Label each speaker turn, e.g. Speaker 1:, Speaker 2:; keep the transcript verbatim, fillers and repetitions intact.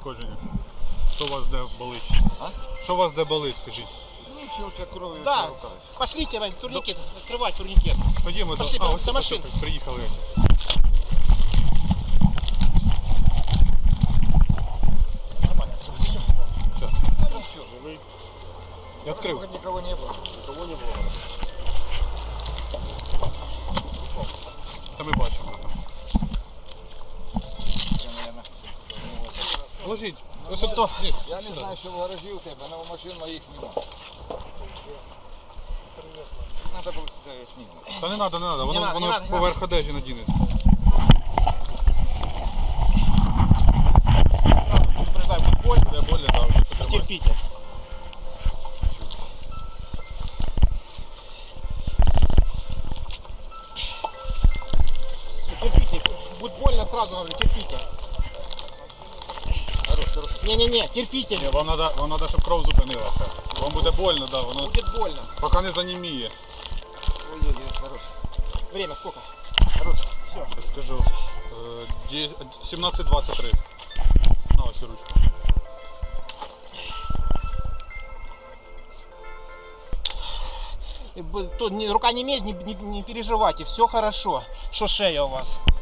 Speaker 1: пошкодження? Що у вас де болить?
Speaker 2: А?
Speaker 1: Що у вас де болить, скажіть?
Speaker 2: Нічого, це кров'ю.
Speaker 3: Да, пошлите, Вань, турникет, открывать турникет.
Speaker 1: Ходімо
Speaker 3: Пошли,
Speaker 1: до, а,
Speaker 3: до
Speaker 1: ось,
Speaker 3: машини.
Speaker 1: ось, ось, приїхали.
Speaker 3: Нормально.
Speaker 1: Сейчас.
Speaker 2: Ну все, живий.
Speaker 1: Я відкрив.
Speaker 2: Никого не было. Никого не было.
Speaker 1: Та ми бачимо там.
Speaker 2: Я, наверное,
Speaker 1: Ложіть. Ось
Speaker 3: Сто.
Speaker 1: сюди. Ні,
Speaker 2: я не
Speaker 1: сюди.
Speaker 2: знаю, що в гаражі у тебе, але машин моїх нема. Надо було це знімати.
Speaker 1: Та не треба, не треба. Воно,
Speaker 3: надо,
Speaker 1: воно
Speaker 3: не надо, не
Speaker 1: поверх одежі надінеться.
Speaker 3: Сразу предупреждаю, будет больно.
Speaker 1: Де болі, так, вже потримай.
Speaker 3: Терпите. Терпите. Будет больно, сразу говорю, терпите. Не-не-не, терпите.
Speaker 1: Ні, вам треба, вам треба, щоб кров зупинилася. Вам буде больно, да, воно
Speaker 3: Будет больно.
Speaker 1: поки не заніміє.
Speaker 2: Ой-ой-ой, хорош.
Speaker 3: Время сколько?
Speaker 2: Хорош.
Speaker 3: Все.
Speaker 1: Я скажу. е, сімнадцять двадцять три. На ось ручку.
Speaker 3: Рука не имеет, не, не, не переживайте, все хорошо. Что шея у вас?